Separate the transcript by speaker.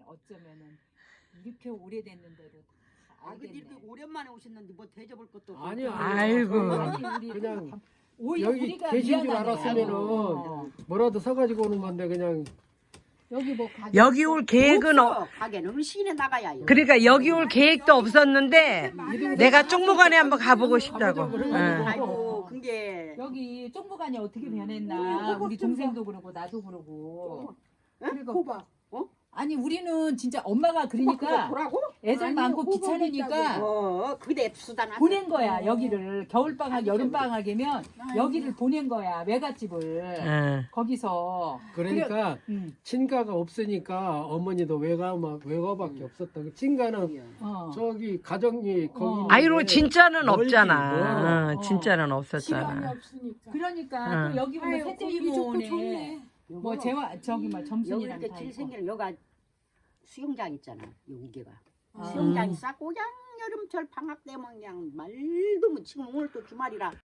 Speaker 1: 어쩌면은 이렇게 오래됐는데도 다
Speaker 2: 근데
Speaker 1: 알겠네.
Speaker 2: 이렇게 오랜만에 오셨는데 뭐 대접을 것도 없고.
Speaker 3: 아니요.
Speaker 4: 아이고.
Speaker 1: 아니, 우리
Speaker 3: 그냥
Speaker 1: 오히려
Speaker 3: 여기
Speaker 1: 우리가
Speaker 3: 계신 줄
Speaker 1: 미안하네.
Speaker 3: 알았으면은 뭐라도 사가지고 오는 건데 그냥
Speaker 1: 여기 뭐
Speaker 4: 여기 올 계획은
Speaker 2: 없어. 가게는 음식에 나가야 해요.
Speaker 4: 그러니까 여기 올 계획도 없었는데 내가 쪽무관에 한번 가보고 싶다고. 응.
Speaker 2: 아이고 그게
Speaker 1: 여기 쪽무관이 어떻게 변했나 우리 동생도 그러고 나도 그러고 그리고
Speaker 2: 호박.
Speaker 1: 아니 우리는 진짜 엄마가 그러니까
Speaker 2: 보라고?
Speaker 1: 애들 많고 귀찮으니까
Speaker 2: 그대 수단
Speaker 1: 보낸 거야 여기를 겨울방학 여름방학이면 여기를 보낸 거야 외갓집을
Speaker 4: 응.
Speaker 1: 거기서
Speaker 3: 그러니까
Speaker 1: 응.
Speaker 3: 친가가 없으니까 어머니도 외가밖에 없었다. 친가는
Speaker 1: 어.
Speaker 3: 저기 가정이 거기.
Speaker 4: 아이로 진짜는
Speaker 3: 멀지,
Speaker 4: 없잖아.
Speaker 1: 뭐.
Speaker 4: 진짜는 없었잖아.
Speaker 5: 시간이 없으니까.
Speaker 1: 그러니까
Speaker 4: 응.
Speaker 1: 또 여기 보면 셋째 이모네 뭐 재화 저기 뭐
Speaker 2: 여기
Speaker 1: 점순이랑
Speaker 2: 이렇게
Speaker 1: 다
Speaker 2: 길
Speaker 1: 있고
Speaker 2: 생기는 여기가 수영장 있잖아. 여기가
Speaker 1: 아.
Speaker 2: 수영장이 싹 그냥 여름철 방학 때면 그냥 말도 못 치고 오늘 또 주말이라